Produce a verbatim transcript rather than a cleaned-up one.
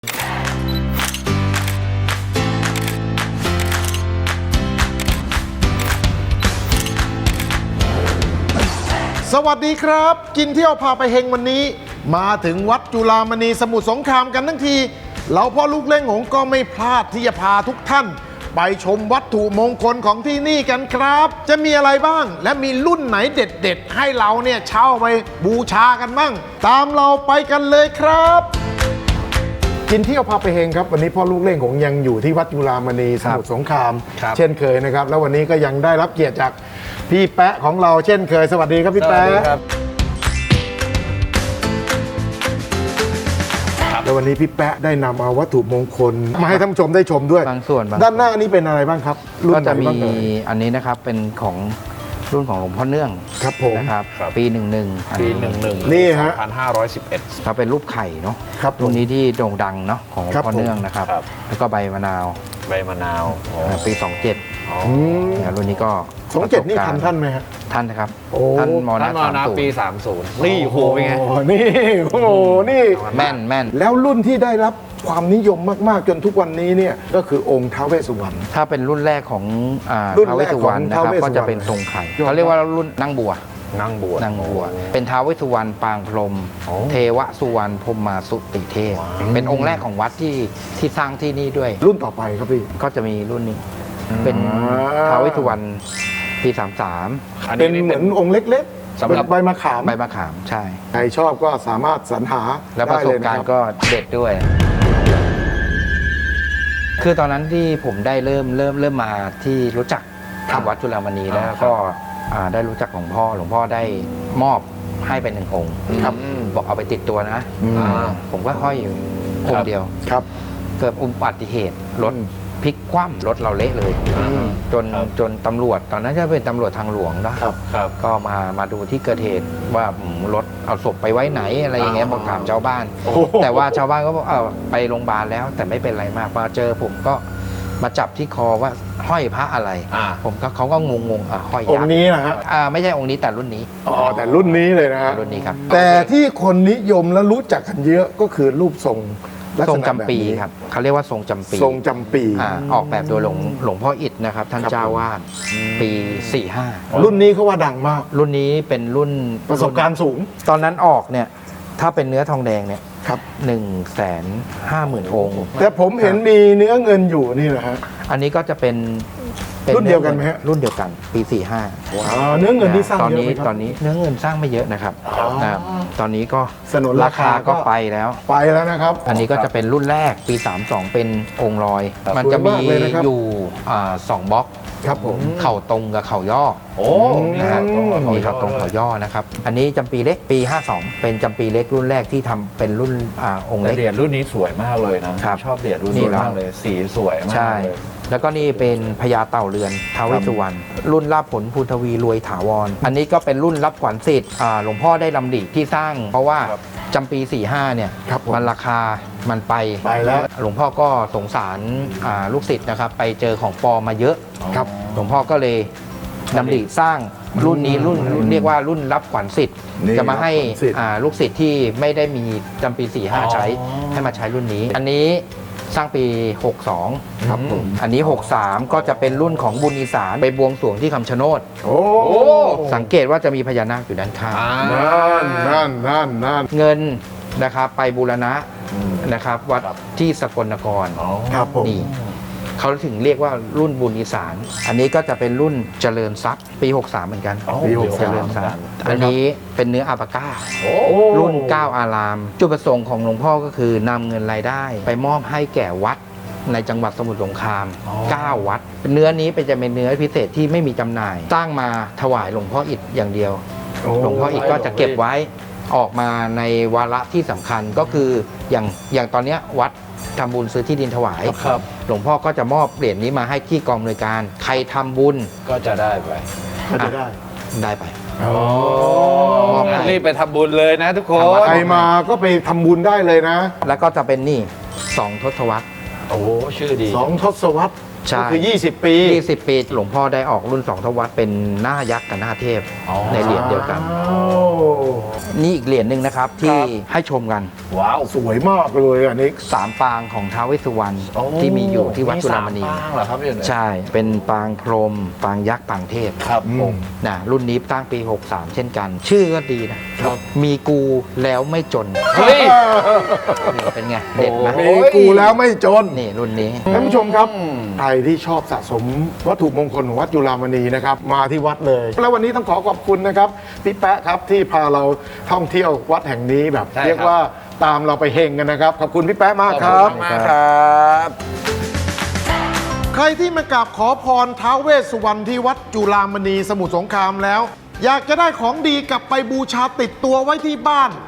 สวัสดีครับกินเที่ยวพาไปเฮงวันนี้มาถึงวัดจุฬามณีสมุทรสงครามกันทั้งทีเราพ่อลูกเล่งหงก็ไม่พลาดที่จะพาทุกท่านไปชมวัตถุมงคลของที่นี่กันครับจะมีอะไรบ้างและมีรุ่นไหนเด็ดๆให้เราเนี่ยเช่าไปบูชากันบ้างตามเราไปกันเลยครับกินเที่ยวพาไปเฮงครับวันนี้พ่อลูกเล่งหงยังอยู่ที่วัดจุฬามณีสมุทรสงครามเช่นเคยนะครับแล้ววันนี้ก็ยังได้รับเกียรติจากพี่แปะของเราเช่นเคยสวัสดีครับพี่แปะแล้ววันนี้พี่แปะได้นำเอาวัตถุมงคลมาให้ท่านผู้ชมได้ชมด้วยบางส่วนด้านหน้านี้เป็นอะไรบ้างครับก็จะมีอันนี้นะครับเป็นของรุ่นของหลวงพ่อเนื่องครับผมนะครับปีหนึ่งหนึ่งปีหนึ่งหนึ่งนี่ฮะพันห้าร้อยสิบเอ็ดเขาเป็นรูปไข่เนาะครับรุ่นนี้ที่โด่งดังเนาะของหลวงพ่อเนื่องนะครับแล้วก็ใบมะนาวใบมะนาวปีสองเจ็ดรุ่นนี้ก็สองเจ็ดนี่ทันท่านไหมฮะท่านนะครับท่านมอนาปีสามสิบนี่โหเป็นไงนี่โอ้โหนี่แม่นแม่นแล้วรุ่นที่ได้รับความนิยมมากๆจนทุกวันนี้เนี่ยก็คือองค์ท้าวเวสสุวรรณถ้าเป็นรุ่นแรกของท้าวเวสสุวรรณนะครับก็จะเป็นทรงไข่เขาเรียกว่ารุ่นนั่งบัวนั่งบัวนั่งบัวเป็นท้าวเวสสุวรรณปางพรหมเทวสุวรรณพรหมาสุติเทพเป็นองค์แรกของวัดที่ที่สร้างที่นี่ด้วยรุ่นต่อไปครับพี่ก็จะมีรุ่นนี้เป็นท้าวเวสสุวรรณปีสามสามเป็นเหมือนองค์เล็กๆสำหรับใบมะขามใบมะขามใช่ใครชอบก็สามารถสรรหาและประสบการณ์ก็เด็ดด้วยคือตอนนั้นที่ผมได้เริ่มเริ่มเริ่มมาที่รู้จักวัดจุฬามณีแล้วก็ได้รู้จักหลวงพ่อหลวงพ่อได้มอบให้เป็นหนึ่งองค์ครับบอกเอาไปติดตัวนะผมก็ห้อยอยู่องค์เดียวครับเกิดอุบัติเหตุรถพลิกคว่ำรถเราเละเลยจนจนตำรวจตอนนั้นจะเป็นตำรวจทางหลวงนะครับก็มามาดูที่เกิดเหตุว่ารถเอาศพไปไว้ไหนอะไรอย่างเงี้ยบอกถามชาวบ้านแต่ว่าชาวบ้านก็บอกเอาไปโรงพยาบาลแล้วแต่ไม่เป็นไรมากมาเจอผมก็มาจับที่คอว่าห้อยพระอะไรผมก็เขาก็งงงอ่ะห้อยยักษ์องค์นี้นะฮะอ่าไม่ใช่องค์นี้แต่รุ่นนี้อ๋อแต่รุ่นนี้เลยนะฮะรุ่นนี้ครับแต่ที่คนนิยมและรู้จักกันเยอะก็คือรูปทรงทรงจำปีครับเขาเรียกว่าทรงจำปีทรงจำปีออกแบบโดยหลวงหลวงพ่ออิฐนะครับท่านเจ้าวาดปีสี่ห้ารุ่นนี้เขาว่าดังมากรุ่นนี้เป็นรุ่นประสบการณ์สูงตอนนั้นออกเนี่ยถ้าเป็นเนื้อทองแดงเนี่ยครับหนึ่งแสนห้าหมื่นองค์แต่ผมเห็นมีเนื้อเงินอยู่นี่แหละฮะอันนี้ก็จะเป็นรุ่นเดียวกันไหมฮะรุ่นเดียวกันปีสี่ห้าเนื้อเงินที่สร้างตอนนี้ตอนนี้เนื้อเงินสร้างไม่เยอะนะครับตอนนี้ก็สนนราคาก็ไปแล้วไปแล้วนะครับอันนี้ก็จะเป็นรุ่นแรกปีสามสองเป็นองค์ลอยมันจะมีอยู่สองบล็อกครับผมเข่าตรงกับเข่าย่อโอ้นะครับมีเข่าตรงเข่าย่อนะครับอันนี้จำปีเล็กปีห้าสองเป็นจำปีเล็กรุ่นแรกที่ทำเป็นรุ่นองค์เล็กเหรียญรุ่นนี้สวยมากเลยนะชอบเหรียญรุ่นนี้มากเลยสีสวยมากใช่แล้วก็นี่เป็นพญาเต่าเรือนท้าวเวสสุวรรณรุ่นลาภผลภูทวีรวยถาวรอันนี้ก็เป็นรุ่นรับขวัญสิทธิ์หลวงพ่อได้ลำดิที่สร้างเพราะว่าจำปีสี่ห้าเนี่ยมันราคามันไปไปแล้วหลวงพ่อก็สงสารลูกศิษย์นะครับไปเจอของปลอมมาเยอะครับหลวงพ่อก็เลยดำริสร้างรุ่นนี้รุ่นเรียกว่ารุ่นรับขวัญสิทธิ์จะมาให้ลูกศิษย์ที่ไม่ได้มีจำปีสี่ห้าใช้ให้มาใช้รุ่นนี้อันนี้สร้างปีหกสองครับผมอันนี้หกสามก็จะเป็นรุ่นของบุญอีสานไปบวงสรวงที่คำชะโนดโอ้สังเกตว่าจะมีพญานาคอยู่ด้านข้างนั่นนั่นนั่นนั่นเงินนะครับไปบูรณะนะครับวัดที่สกลนครครับผมนี่เขาถึงเรียกว่ารุ่นบุญอีสานอันนี้ก็จะเป็นรุ่นเจริญทรัพย์ปีหกสามเหมือนกันปีหกสามเจริญทรัพย์อันนี้เป็นเนื้ออัปาก้ารุ่นเก้าอารามจุดประสงค์ของหลวงพ่อก็คือนำเงินรายได้ไปมอบให้แก่วัดในจังหวัดสมุทรสงครามเก้าวัดเนื้อนี้เป็นจะเป็นเนื้อพิเศษที่ไม่มีจำหน่ายสร้างมาถวายหลวงพ่ออิฐอย่างเดียวหลวงพ่ออิฐก็จะเก็บไว้ออกมาในวาระที่สำคัญก็คืออย่างอย่างตอนนี้วัดทำบุญซื้อที่ดินถวายหลวงพ่อก็จะมอบเหรียญนี้มาให้ที่กองอำนวยการใครทำบุญก็จะได้ไปก็จะได้ได้ไปมอบรีบไปทำบุญเลยนะทุกคนใครมาก็ไปทำบุญได้เลยนะแล้วก็จะเป็นนี่สองทศวรรษโอ้ชื่อดีสองทศวรรษใช่ก็คือ ยี่สิบ ปียี่สิบ ปีหลวงพ่อได้ออกรุ่นสองทวัตเป็นหน้ายักษ์กับหน้าเทพในเหรียญเดียวกันโอ้นี่อีกเหรียญหนึ่งนะครับที่ให้ชมกันว้าว สวยมากเลยอันนี้สามปางของท้าวเวสสุวรรณโอ้ที่มีอยู่ที่วัดจุฬามณีสปางเหรอครับพี่เนี่ยใช่ เป็นปางพรหมปางยักษ์ปางเทพครับผมนะรุ่นนี้ตั้งปี หกสาม เช่นกัน ชื่อก็ดีนะครับ มีกูแล้วไม่จนเฮ้ยนี่เป็นไง เด็ดไหมโอ้มีกูแล้วไม่จนนี่รุ่นนี้ท่านผู้ชมครับอืมใครที่ชอบสะสมวัตถุมงคลของวัดจุฬามณีนะครับ มาที่วัดเลย แล้ววันนี้ต้องขอขอบคุณนะครับพี่แป๊ะครับที่พาเราท่องเที่ยววัดแห่งนี้แบบใช่ครับเรียกว่าตามเราไปเฮงกันนะครับ ขอบคุณพี่แป๊ะมากคขรัอบบ คุณมากครับใครที่มากราบขอพรท้าวเวสสุวรรณที่วัดจุฬามณีสมุทรสงครามแล้ว อยากจะได้ของดีกลับไปบูชาติดตัวไว้ที่บ้าน